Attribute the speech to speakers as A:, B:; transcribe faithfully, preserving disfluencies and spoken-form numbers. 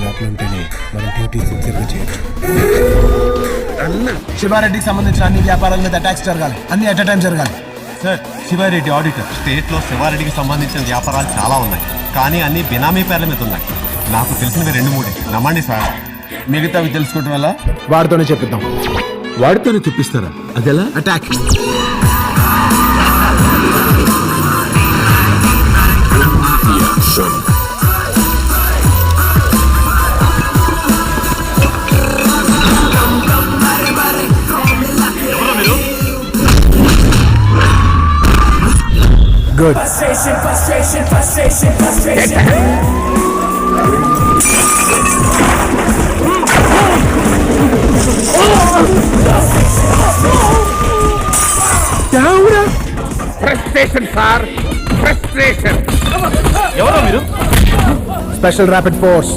A: లోపల ఉంటేనే మనం డ్యూటీ సిన్సియర్గా చేయొచ్చు.
B: శివారెడ్డికి సంబంధించిన అన్ని వ్యాపారాల మీద అటాక్స్ జరగాలి, అన్ని అట్ టైం జరగాలి.
C: Sir, Sivareddy auditor. స్టేట్ లో శివారెడ్డికి సంబంధించిన వ్యాపారాలు చాలా ఉన్నాయి, కానీ అన్ని బినామీ పేర్ల మీద ఉన్నాయి. నాకు తెలిసినవి రెండు మూడే, నమ్మండి సార్.
B: మిగతావి తెలుసుకోవటం వల్ల
A: వాడితోనే చెప్పిద్దాం.
D: వాడితోనే చెప్పిస్తారా? అదెలా?
B: Attack.
A: Good.
E: Frustration, frustration, frustration, frustration.
D: Frustration sir, frustration.
B: ఎవరో మీరు?
A: Special rapid force.